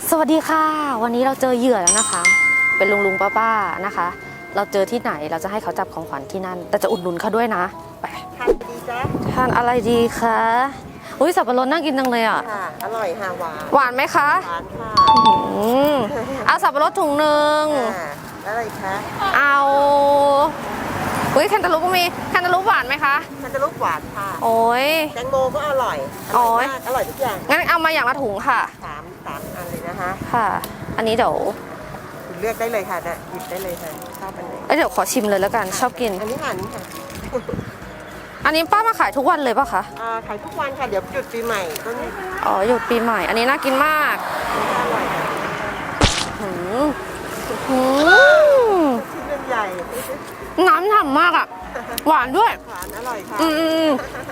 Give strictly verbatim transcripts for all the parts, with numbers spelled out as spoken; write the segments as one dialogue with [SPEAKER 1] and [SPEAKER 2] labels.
[SPEAKER 1] สวัสดีค่ะวันนี้เราเจอเหยื่อแล้วนะคะเป็นลุงลุงป้าป้านะคะ เราเจอที่ไหนเราจะให้เขาจับของขวัญที่นั่นแต่จะอุดหนุนเขาด้วยนะไป
[SPEAKER 2] ทานดีจ้ะ
[SPEAKER 1] ทานอะไรดีคะอุ้ยสับปะรดน่ากินจังเลยอ่ะ
[SPEAKER 2] ค่ะอร่อยค่ะหวาน
[SPEAKER 1] หวานไหมคะ
[SPEAKER 2] หวานค่ะ
[SPEAKER 1] อืมเอาสับปะรดถุงหนึ่ง
[SPEAKER 2] อะไรคะ
[SPEAKER 1] เอาอุ้ยแคนตาลูปก็มีแคนตาลูปหวานไหมคะ
[SPEAKER 2] แคนตาลูปหวานค่ะ
[SPEAKER 1] โอ้ย
[SPEAKER 2] แตงโมก็อร่อยอร่อยมากอร่อยทุกอย่าง
[SPEAKER 1] งั้นเอามาอย่างละถุงค่ะ
[SPEAKER 2] สามสามอันเลยนะคะ
[SPEAKER 1] ค่ะอันนี้เดี๋ยว
[SPEAKER 2] เลือกได้เลยค่ะเนี่ยหยิบได้เลยค่ะชอบอันไหน
[SPEAKER 1] เดี๋ยวขอชิมเลยแล้วกันชอบกิน
[SPEAKER 2] อันนี้ค่ะนี่ค่ะ
[SPEAKER 1] อันนี้ป้ามาขายทุกวันเลยป่ะคะ
[SPEAKER 2] อ่าขายทุกวันค่ะเดี๋ยวหยุดปีใหม่ก็นี่
[SPEAKER 1] อ๋อหยุดปีใหม่อันนี้น่ากินมาก
[SPEAKER 2] อร่อย
[SPEAKER 1] หืมหืม
[SPEAKER 2] ชิ้นใหญ่
[SPEAKER 1] น้ำฉ่ำมากอ่ะหวานด้วย
[SPEAKER 2] หวานอร่อยค่ะ
[SPEAKER 1] อืม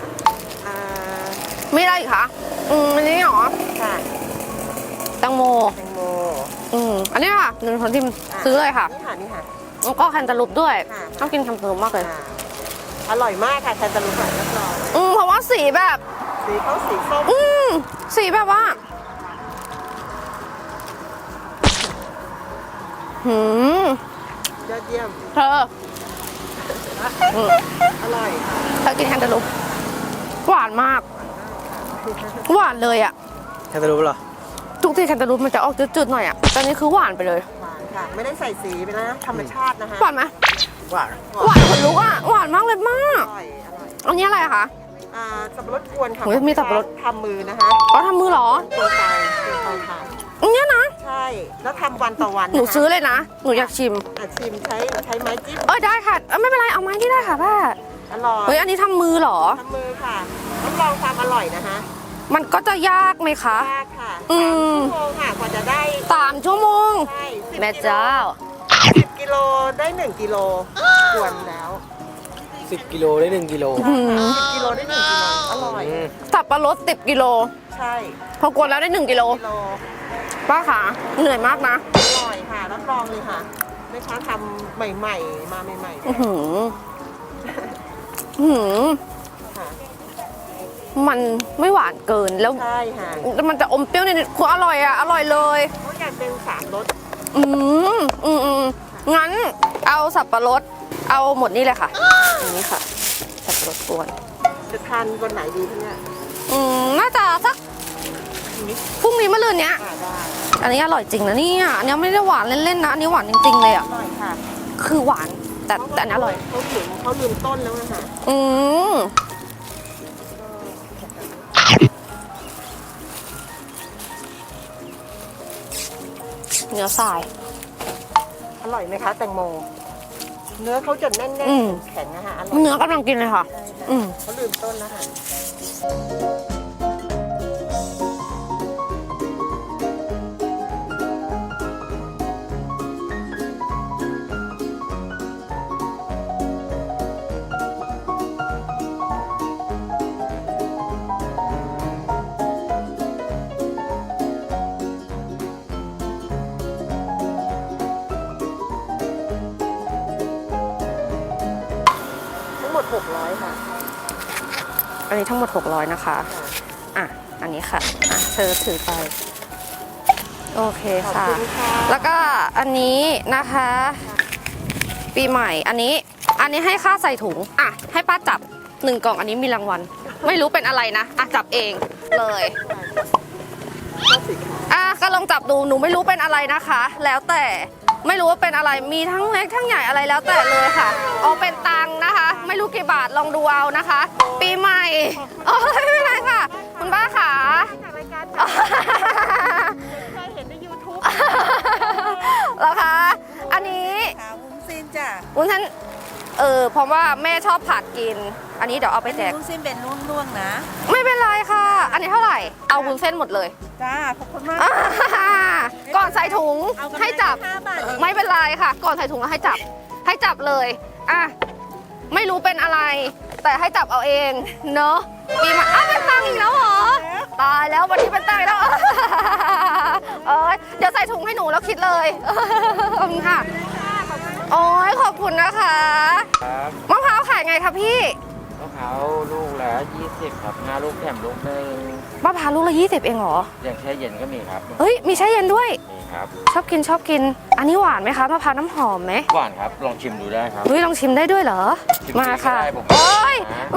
[SPEAKER 1] ไม่ได้อีกคะอืมอันนี้เหรอ
[SPEAKER 2] ค่ะ
[SPEAKER 1] แตงโม
[SPEAKER 2] แตงโม
[SPEAKER 1] อืมอันนี้ค่ะหนึ่งคนที่ซื้อเลยค่ะ
[SPEAKER 2] นี่ค่ะนี่ค่ะ
[SPEAKER 1] แล้วก็แคนตาลูปด้วยต้องกินแคนตาลูปมากเลย
[SPEAKER 2] อร่อยมากค่ะแคนตาลูปรับรอง
[SPEAKER 1] อืมเพราะว่าสีแบบ
[SPEAKER 2] สีเขาสีส้ม
[SPEAKER 1] อืมสีแบบว่าหืม
[SPEAKER 2] ยอดเยี่ยม
[SPEAKER 1] เธอ
[SPEAKER 2] อร่อย
[SPEAKER 1] เธอกินแคนตาลูปหวานมากหวานเลยอ่ะ
[SPEAKER 3] แคนตาลูปเหรอ
[SPEAKER 1] ทุกที่แคนตาลูปมันจะออกจืดๆหน่อยอ่ะตอนนี้คือหวานไปเลย
[SPEAKER 2] หวานค่ะไม่ได้ใส่สีไปนะธรรมชาตินะคะ
[SPEAKER 1] หวานไหม
[SPEAKER 3] หวาน
[SPEAKER 1] หวานคนลุกอ่ะหวานมากเลยมาก
[SPEAKER 2] อร่อยอร่อย
[SPEAKER 1] อันนี้อะไรคะ
[SPEAKER 2] อ่าสับปะรดกวนค่ะ
[SPEAKER 1] มีสับปะรด
[SPEAKER 2] ทำมือนะคะ
[SPEAKER 1] อ๋อทำมือเหรอ
[SPEAKER 2] กวนเตาเตาถ่าน
[SPEAKER 1] อันนี้นะ
[SPEAKER 2] ใช่แล้วทำวันต่อวัน
[SPEAKER 1] หนูซื้อเลยนะหนูอยากชิม
[SPEAKER 2] อ่ะชิมใช้ใช้ไม้จิ้ม
[SPEAKER 1] เออได้ค่ะไม่เป็นไรเอาไม้ที่ได้ค่ะป้า
[SPEAKER 2] อร่อย
[SPEAKER 1] เฮ้ยอันนี้ทำมือเหรอ
[SPEAKER 2] ทำมือค่ะรับรองความอร่อยนะคะ
[SPEAKER 1] มันก็จะยากไหมคะ
[SPEAKER 2] ยากค่ะ
[SPEAKER 1] อืม
[SPEAKER 2] ชั่วโมงค่ะกว่าจะได้
[SPEAKER 1] สามชั่วโมง
[SPEAKER 2] ใช่
[SPEAKER 1] แม่เจ้า
[SPEAKER 2] สิบกิโลได้หนึ่งกิโลกวนแล้ว
[SPEAKER 3] สิบกิโลได้หนึ่งกิโล
[SPEAKER 2] สิบกิโลได้หนึ่งกิโลอร่อย
[SPEAKER 1] สับปะรดสิบกิโล
[SPEAKER 2] ใช่
[SPEAKER 1] พอกวนแล้วได้หนึ่งกิโลป้าค่ะเหนื่อยมากนะ
[SPEAKER 2] อร่อยค่ะรับรองเลยค่ะแม่ค้าทำใหม่ๆมาใหม่ๆ
[SPEAKER 1] อือหือหือมันไม่หวานเกินแล้ว
[SPEAKER 2] ใช่ค่ะ
[SPEAKER 1] มันจะอมเปรี้ยวนิดๆคืออร่อยอ่ะอร่อยเลย
[SPEAKER 2] เขาอยากเป็นสามรส
[SPEAKER 1] อืมอืมอืมงั้นเอาสับปะรดเอาหมดนี่เลยค่ะอันนี้ค่ะสับปะรดกวน
[SPEAKER 2] จะทานวันไหนดีคะเนี่ย
[SPEAKER 1] อืมน่าจะสักพรุ่งนี้มะรืนเนี้ยอันนี้อร่อยจริงนะเนี่ยอันนี้ไม่ได้หวานเล่นๆนะอันนี้หวานจริงๆเลยอ่ะ
[SPEAKER 2] อร่อยค่ะ
[SPEAKER 1] คือหวานแต่แต่อันนี้อร่อย
[SPEAKER 2] เขาลืมเขาลืมต้นแล้วนะคะ
[SPEAKER 1] อืมเนื้อทราย
[SPEAKER 2] อร่อยไหมคะแตงโมเนื้อเขาจะแน่นๆแข็งนะคะ
[SPEAKER 1] เนื้อกำลังกินเลยค่ะ
[SPEAKER 2] เขาลืมต้นแล้วค่ะทั้งหมดหกร้อยค่ะ
[SPEAKER 1] อันนี้ทั้งหมดหกร้อยนะคะอ่ะอันนี้ค่ะอ่ะเธอถือไปโอเคค่ะแล้วก็อันนี้นะคะปีใหม่อันนี้อันนี้ให้ค่าใส่ถุงอ่ะให้ป้าจับหนึ่งกล่องอันนี้มีรางวัลไม่รู้เป็นอะไรนะอ่ะจับเองเลยอ่ะก็ลองจับดูหนูไม่รู้เป็นอะไรนะคะแล้วแต่ไม่รู้ว่าเป็นอะไรมีทั้งเล็กทั้งใหญ่อะไรแล้วแต่เลยค่ะเอาเป็นตังค์นะคะไม่รู้กี่บาทลองดูเอานะคะปีใหม่โอ้ยไม่เป็นไรค่ะคุณป้าขา
[SPEAKER 2] จากรายการเคยเห็นใน ยูทูบ
[SPEAKER 1] แล้วคะอันนี้
[SPEAKER 2] วุ้นเส้นจ้ะ
[SPEAKER 1] วุ้นเส้นเออเพราะว่าแม่ชอบผัดกินอันนี้เดี๋ยวเอาไปแจก
[SPEAKER 2] วุ้นเส้นเป็นร่วงๆนะ
[SPEAKER 1] ไม่เป็นไรค่ะอันนี้เท่าไหร่เอาวุ้นเส้นหมดเลย
[SPEAKER 2] จ้าขอบคุณมาก
[SPEAKER 1] ก่อนใส่ถุงให้จับไม่เป็นไรค่ะก่อนใส่ถุงแล้วให้จับให้จับเลยอ่ะไม่รู้เป็นอะไรแต่ให้จับเอาเองเนอะปีใหม่อ้าวเป็นตังอีกแล้วเหรอตายแล้ววันนี้เป็นตังอีกแล้วเออเดี๋ยวใส่ถุงให้หนูแล้วคิดเลยขอบคุณค่ะโอ้ยขอบคุณนะคะมะพร้าวขายไงคะพี่
[SPEAKER 3] ม
[SPEAKER 4] พร้าวลูกละยี่สิบครับห้าลูกแถมลูกหนึ่ง
[SPEAKER 1] มะพร้าวลูกละยี่สิบเองเหรอ
[SPEAKER 4] อย่างแช่เย็นก็มีครับ
[SPEAKER 1] เฮ้ยมีแช่เย็นด้วย
[SPEAKER 4] มีครับ
[SPEAKER 1] ชอบกินชอบกิน อันนี้หวานไหมคะมะพร้าวน้ำหอมไหม
[SPEAKER 4] หวานครับลองชิมดูได้ครับ
[SPEAKER 1] เฮ้ยลองชิมได้ด้วยเหรอ
[SPEAKER 4] ชิมฟรี
[SPEAKER 1] มาค่ะ
[SPEAKER 4] ก็ได้ผม
[SPEAKER 1] โอ้ย
[SPEAKER 4] นะ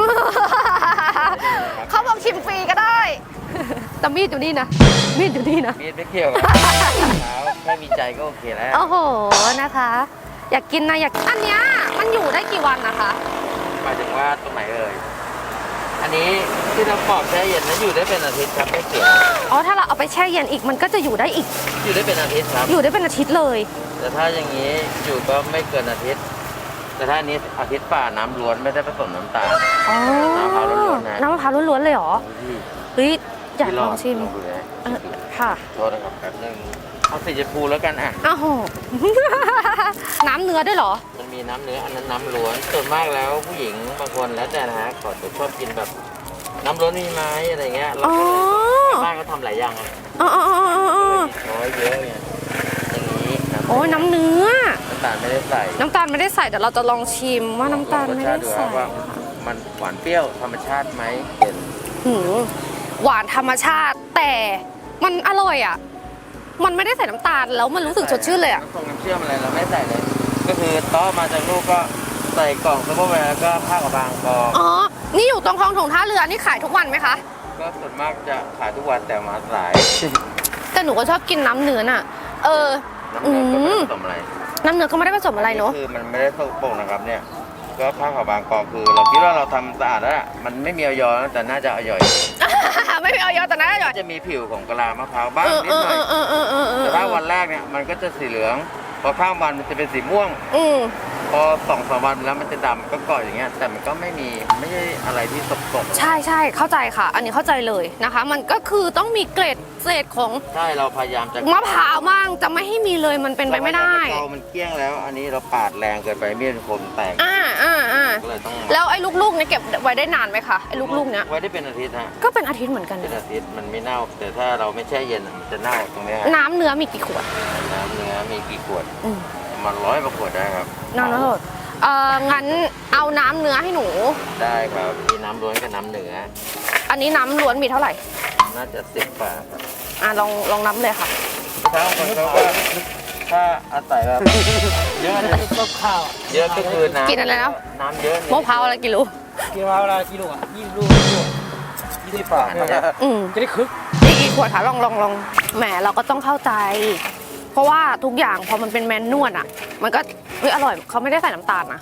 [SPEAKER 1] เขาบอกชิมฟรีก็ได้ แต่มีดอยู่นี่นะ มีดอยู่นี่นะ
[SPEAKER 4] มีดไม่เกี่ยวกับเท้าแค่มีใจก็โอเคแล้ว
[SPEAKER 1] โอ้โหนะคะ อยากกินนะอยากอันเนี้ยมันอยู่ได้กี่วันนะคะ
[SPEAKER 4] หมายถึงว่าตรงไหนเอ่ยอันนี้ที่เราปอกแช่เย็นนั้นอยู่ได้เป็นอาทิตย์ครับไม่เสีย
[SPEAKER 1] อ๋อถ้าเราเอาไปแช่เย็นอีกมันก็จะอยู่ได้อีก
[SPEAKER 4] อยู่ได้เป็นอาทิตย์ครับ
[SPEAKER 1] อยู่ได้เป็นอาทิตย์เลย
[SPEAKER 4] แต่ถ้าอย่างนี้อยู่ก็ไม่เกินอาทิตย์ แต่ถ้าอันนี้อาทิตย์ป่าน้ำล้วนไม่ได้ผสมน้ำตาล
[SPEAKER 1] อ๋อ
[SPEAKER 4] น้ำมะพร้าวล้วนๆนะ
[SPEAKER 1] น้ำมะพร้าวล้วนๆเลยเหรอ
[SPEAKER 4] ที่
[SPEAKER 1] เฮ้ยอยากลองชิม
[SPEAKER 4] ลองดูนะ
[SPEAKER 1] เออค่ะ
[SPEAKER 4] โทษนะครับแป๊บนึงเอาสีชมพูแล้วกันอ่ะ
[SPEAKER 1] อ้าวโห น้ำเนื้อด้วยเหรอ
[SPEAKER 4] มันมีน้ำเนื้ออันนั้นน้ำล้วนส่วนมากแล้วผู้หญิงบางคนแล้วแต่นะฮะขอจะชอบกินแบบน้ำล้วนมีไหมอะไรเงี้ยแล้ว
[SPEAKER 1] อ๋อ
[SPEAKER 4] ก็บ้านก็ทำหลายอย่างอ่ะ
[SPEAKER 1] อ๋ออ๋ออ๋ออ๋อ
[SPEAKER 4] น้อยเยอะไงอย่างนี้ครับ
[SPEAKER 1] โอ้ยน้ำเนื้อ
[SPEAKER 4] น้ำตาลไม่ได้ใส่
[SPEAKER 1] น้ำตาลไม่ได้ใส่เดี๋ยวเราจะลองชิมว่าน้ำตาลไม่ได้
[SPEAKER 4] ลองรสชาติดู
[SPEAKER 1] ใส่
[SPEAKER 4] ว่ามันหวานเปรี้ยวธรรมชาติไหมเห็น
[SPEAKER 1] หืมหวานธรรมชาติแต่มันอร่อยอ่ะ มันไม่ได้ใส่น้ำตาลแล้วมันรู้สึกสดชื่นเลยอ่ะ
[SPEAKER 4] น้ำส้มน้ำเชื่อมอะไรเราไม่ใส่เลย ก็คือต้อมาจากลูกก็ใส่กล่องซุปเปอร์แวร์แล้วก็ผ้ากับบางกอง
[SPEAKER 1] อ๋อ นี่อยู่ตรงคลองถงท่าเรือนี่ขายทุกวันไหมคะ
[SPEAKER 4] ก็ส่วนมากจะขายทุกวันแต่มาสาย
[SPEAKER 1] แต่หนูก็ชอบกินน้ำเนื้อน่ะ เออ
[SPEAKER 4] น้ำเนื้อก็ไม่ผสมอะไร
[SPEAKER 1] น้ำเนื้อก็ไม่ได้ผสมอะไรเนาะ
[SPEAKER 4] คือมันไม่ได้สกปรกนะครับเนี่ยก็ผ้าขาวบางกองคือ เราคิดว่าเราทำสะอาดแล้วล่ะมันไม่มีออยอนะแต่น่าจะอร่อย
[SPEAKER 1] ไม่มีออยอแต่นะอร่อย
[SPEAKER 4] จะมีผิวของกะลามะพร้าวบ้าง
[SPEAKER 1] เออ
[SPEAKER 4] นิ
[SPEAKER 1] เอ
[SPEAKER 4] ด
[SPEAKER 1] อ
[SPEAKER 4] หน่อย
[SPEAKER 1] เออเออเออเออ
[SPEAKER 4] แต่ถ้าวันแรกเนี่ยมันก็จะสีเหลือง พอข้ามวันมันจะเป็นสีม่วง
[SPEAKER 1] อืม
[SPEAKER 4] พอสองสามวันแล้วมันจะดำก็เกาะอย่างเงี้ยแต่มันก็ไม่มีไม่ใช่อะไรที่สกปรก
[SPEAKER 1] ใช่ใช่เข้าใจค่ะ อันนี้เข้าใจเลยนะคะ มันก็คือต้องมีเกรดเศษของ
[SPEAKER 4] ใช่เราพยายามจะ
[SPEAKER 1] มะพร้าวบ้างจะไม่ให้มีเลยมันเป็นไปไม่ได้
[SPEAKER 4] เรามันเกลี้ยงแล้ว อันนี้เราปาดแรงเกินไปมีดคมแตก
[SPEAKER 1] อ่าอ่าอ่า
[SPEAKER 4] ก็เลยต้อง
[SPEAKER 1] แล้วไอ้ลูกๆเนี่ยเก็บไว้ได้นานไหมคะไอ้ลูกๆเนี้ย
[SPEAKER 4] ไว้ได้เป็นอาทิตย์ฮะ
[SPEAKER 1] ก็เป็นอาทิตย์เหมือนกัน
[SPEAKER 4] เป็นอาทิตย์มันไม่เน่า แต่ถ้าเราไม่แช่เย็นมันจะเน่าตรงเนี้ยฮะ
[SPEAKER 1] น้ำเนื้อมีกี่ขวด
[SPEAKER 4] น้ำเนื้อมีกี่ขวด
[SPEAKER 1] อืม
[SPEAKER 4] ประมาณร้อยกว่าขวดได้ครับ
[SPEAKER 1] น้ำเนื้อสดเอ่องั้นเอาน้ำเนื้อให้หนู
[SPEAKER 4] ได้ครับมีน้ำล้วนกับน้ำเนื้อ
[SPEAKER 1] อันนี้น้ำล้วนมีเท่าไหร่
[SPEAKER 4] น่าจะสิบกว่าครับ
[SPEAKER 1] อ่ะลองลองน้ำเลยค่ะ
[SPEAKER 4] ถ้าคนเขาก็ถ้าอาศัยแบบเยอะเลย
[SPEAKER 3] ต้มข้าว
[SPEAKER 4] เยอะก็คือน้ำ
[SPEAKER 1] กินอะไรนะ
[SPEAKER 4] น้ำเยอะ
[SPEAKER 1] มะพร้าวอะไรกิโล
[SPEAKER 3] กินมะพร้าวเวลากิโลอ่ะยี่สิบลูกยี่สิบลูกยี่สิบ
[SPEAKER 4] ฝา
[SPEAKER 3] บาท
[SPEAKER 4] เนี่ย
[SPEAKER 1] อืม
[SPEAKER 3] จะได้คึก
[SPEAKER 1] อีกกี่ขวดคะลองลองลองแหมเราก็ต้องเข้าใจ เพราะว่าทุกอย่างพอมันเป็นแมนนวลอ่ะ มันก็เฮ้ยอร่อยเขาไม่ได้ใส่น้ำตาลนะ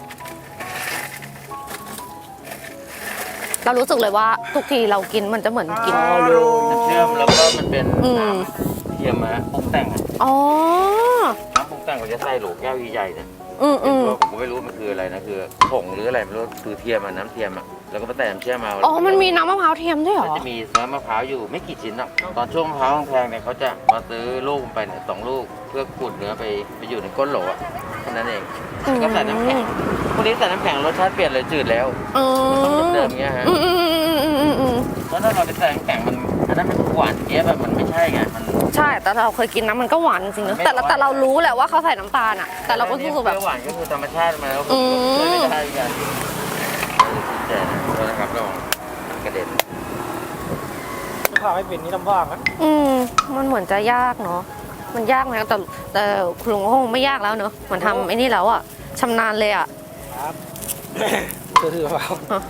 [SPEAKER 1] เรารู้สึกเลยว่าทุกทีเรากินมันจะเหมือนกิน
[SPEAKER 4] น้ำเชื่อมแล้วก็มันเป็น
[SPEAKER 1] อืม
[SPEAKER 4] น้ำเทียมอะปรุงแต่งอะ
[SPEAKER 1] อ๋อ
[SPEAKER 4] น้ำปรุงแต่งเขาจะใส่โหลแก้วใหญ่ๆเนี่ย
[SPEAKER 1] อืมอืม
[SPEAKER 4] ผมก็ไม่รู้มันคืออะไรนะคือผงหรืออะไรไม่รู้คือเทียมอะน้ำเทียมอะแล้วก็มาใส่น้ำเชื่อมมา
[SPEAKER 1] อ๋อมันมีน้ำมะพร้าวเทียมด้วยเหร
[SPEAKER 4] มัน
[SPEAKER 1] อ
[SPEAKER 4] จะมีเนื้อมะพร้าวอยู่ไม่กี่ชิ้นหรอกตอนช่วงมะพร้าวแพงๆเนี่ยเขาจะมาซื้อลูกไปเนี่ยสองลูกเพื่อขูดเนื้อไปไปอยู่ในก้นโหลอะแค่นั้นเอง
[SPEAKER 1] อืม
[SPEAKER 4] ก็ใส่น้ำแข็งพวกนี้ใส่น้ำแข็งรสชาติเปลี่ยนเลยจืดแล้ว
[SPEAKER 1] อืม
[SPEAKER 4] ต้องเดิมๆเงี้ยฮะ
[SPEAKER 1] อืมอืมอืมอืมอืมอืม
[SPEAKER 4] แล้วถ้าเราไปใส่น้ำแข็งมันอันนั้นมันหวานเจี๊ยบแบบมันไม่ใช่ไงมัน
[SPEAKER 1] ใช่แต่เราเคยกินนะมันก็หวานจริงๆนะแต่ละแต่เรารู้แหละว่าเขาใส่น้ำตาลอ่ะ แต่เราก็รู้สึกแบบ
[SPEAKER 4] เปรี้ยวหวานก็คือธรรมชาติมาแล้ว
[SPEAKER 1] อืม
[SPEAKER 4] ไม่ได้กันแต่นะครับลองกระเด็น
[SPEAKER 3] มะพร้าวไม่เป็นนี่ลำบากนะ
[SPEAKER 1] อืมมันเหมือนจะยากเนาะมันยากไหมแต่แต่คุณลุงก็คงไม่ยากแล้วเนาะมันทำไอ้นี่แล้วอ่ะชำนาญเลยอ่ะ
[SPEAKER 3] ครับคือคือมะพร้าว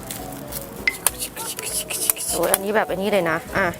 [SPEAKER 1] โอ้ยอันนี้แบบอันนี้เลยนะอ่ะ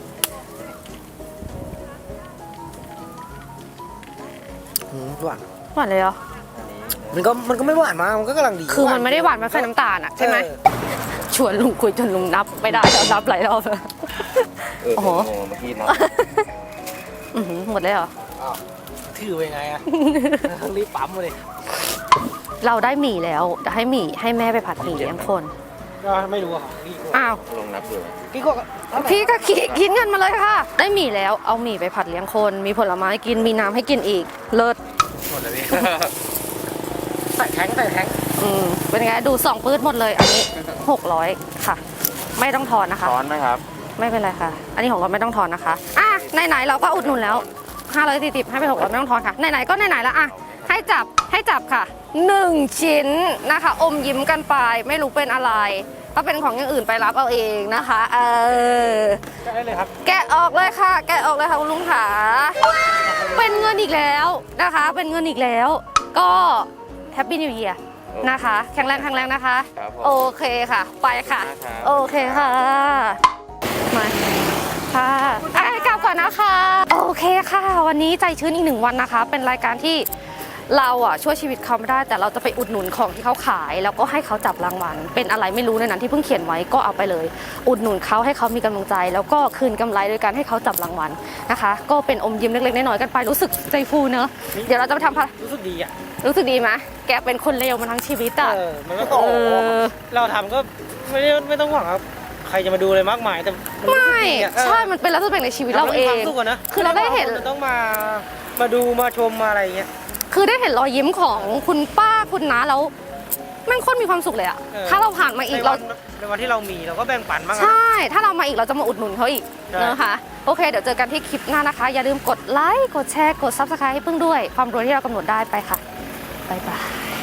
[SPEAKER 3] อืมหวาน
[SPEAKER 1] หวานเลยเหรอ
[SPEAKER 3] มันก็มันก็ไม่หวานมากมันก็กำลังดี
[SPEAKER 1] คือมันไม่ได้หวานมันใส่น้ำตาลอ่ะใช่ไหม
[SPEAKER 3] เออ
[SPEAKER 1] ชวนลุงคุยจนลุงนับไม่ได้แล้วนับหลายรอบแล้ว
[SPEAKER 4] เออ
[SPEAKER 1] โอ้โห
[SPEAKER 4] เมื่อกี้นะ
[SPEAKER 1] อื้อหือหมดเลยเหรอ
[SPEAKER 3] อ้าวถือไปไงอะรีบปั๊มเลย
[SPEAKER 1] เราได้หมี่แล้วจะให้หมี่ให้แม่ไปผัดหมี่เลี้ยงคน
[SPEAKER 3] ก็ไม่รู้อะของพี่ก็
[SPEAKER 1] อ้าว
[SPEAKER 4] ลองนับดู
[SPEAKER 3] พี่ก็เท่าไหร่
[SPEAKER 1] พี่ก็คิดคิดเงินมาเลยค่ะ ได้หมี่แล้วเอาหมี่ไปผัดเลี้ยงคน มีผลไม้กินมีน้ำให้กินอีกเลิศ
[SPEAKER 3] หมดเลยพี่ใส่แท้งใส่แท้ง
[SPEAKER 1] อืมเป็นไงดูสองปื้ดหมดเลย อันนี้หกร้อยค่ะ ไม่ต้องทอนนะคะ
[SPEAKER 4] ช้อนไหมครับ
[SPEAKER 1] ไม่เป็นไรค่ะ อันนี้ของเราไม่ต้องทอนนะคะอ่ะไหนๆเราก็อุดหนุนแล้วห้าร้อยสี่สิบให้ไปหกร้อยไม่ต้องทอนค่ะไหนๆก็ไหนๆแล้วอ่ะให้จับให้จับค่ะหนึ่งชิ้นนะคะ อมยิ้มกันไปไม่รู้เป็นอะไรถ้าเป็นของอย่างอื่นไปรับเอาเองนะคะเออ
[SPEAKER 3] ได้เลยครับ
[SPEAKER 1] แกะออกเลยค่ะ แกะออกเลยค่ะคุณลุงขาเป็นเงินอีกแล้วนะคะ เป็นเงินอีกแล้ว ก็แฮปปี้นิว e ย r นะคะ แข็งแรงแข็งแรงนะคะ
[SPEAKER 4] ครับผม
[SPEAKER 1] โอเคค่ะ ไปค่ะ
[SPEAKER 4] ครับ
[SPEAKER 1] โอเคค่ะ มา ค่ะอ่ะกลับก่อนนะคะ โอเคค่ะ วันนี้ใจชื้นอีกหนึ่งวันนะคะ เป็นรายการที่เราอ่ะช่วยชีวิตเขาไม่ได้ แต่เราจะไปอุดหนุนของที่เขาขาย แล้วก็ให้เขาจับรางวัล เป็นอะไรไม่รู้ในนั้นที่เพิ่งเขียนไว้ก็เอาไปเลย อุดหนุนเขาให้เขามีกำลังใจ แล้วก็คืนกำไรโดยการให้เขาจับรางวัลนะคะ ก็เป็นอมยิ้มเล็กๆน้อยๆกันไป รู้สึกใจฟูเนอะเดี๋ยวเราจะไปทำภาร
[SPEAKER 3] รู้สึกดีอ่ะ
[SPEAKER 1] รู้สึกดีไหมแกเป็นคนเลวมาทั้งชีวิตอ่ะ
[SPEAKER 3] เออ มันก็
[SPEAKER 1] เออ
[SPEAKER 3] เราทำก็ไม่ได้ไม่ต้องหวังครับ ใครจะมาดูอะไรมากมาย แต่นรู้สึก
[SPEAKER 1] ไม่
[SPEAKER 3] ดีอะเออ
[SPEAKER 1] ใช่ มันเป็นลักษณะในชีวิตเราเอ
[SPEAKER 3] ทำ
[SPEAKER 1] ง
[SPEAKER 3] ให้มีความสุขะนะ
[SPEAKER 1] คือเราได้เห็น
[SPEAKER 3] ม่ว่าคจะต้องมา มาดูมาชมมาอะไรอย่างเงี้ย
[SPEAKER 1] คือได้เห็นรอยยิ้มของคุณป้าคุณน้าแล้วแม่งโคตรมีความสุขเลยอะ
[SPEAKER 3] เออ
[SPEAKER 1] ถ้าเราผ่านมาอี
[SPEAKER 3] ใน
[SPEAKER 1] ก
[SPEAKER 3] วั
[SPEAKER 1] เรา
[SPEAKER 3] นในวันที่เรามีเราก็แบ่งปันบ้างอะ
[SPEAKER 1] ใช่ ถ้าเรามาอีกเราจะมาอุดหนุนเขาอีก
[SPEAKER 3] ใช่
[SPEAKER 1] นะคะ โอเค เดี๋ยวเจอกันที่คลิปหน้านะคะ อย่าลืมกดไลค์ กดแชร์ กด ซับสไครบ์ ให้พึ่งด้วย ความรวยที่เรากำหนดได้ไปค่ะ บ๊ายบาย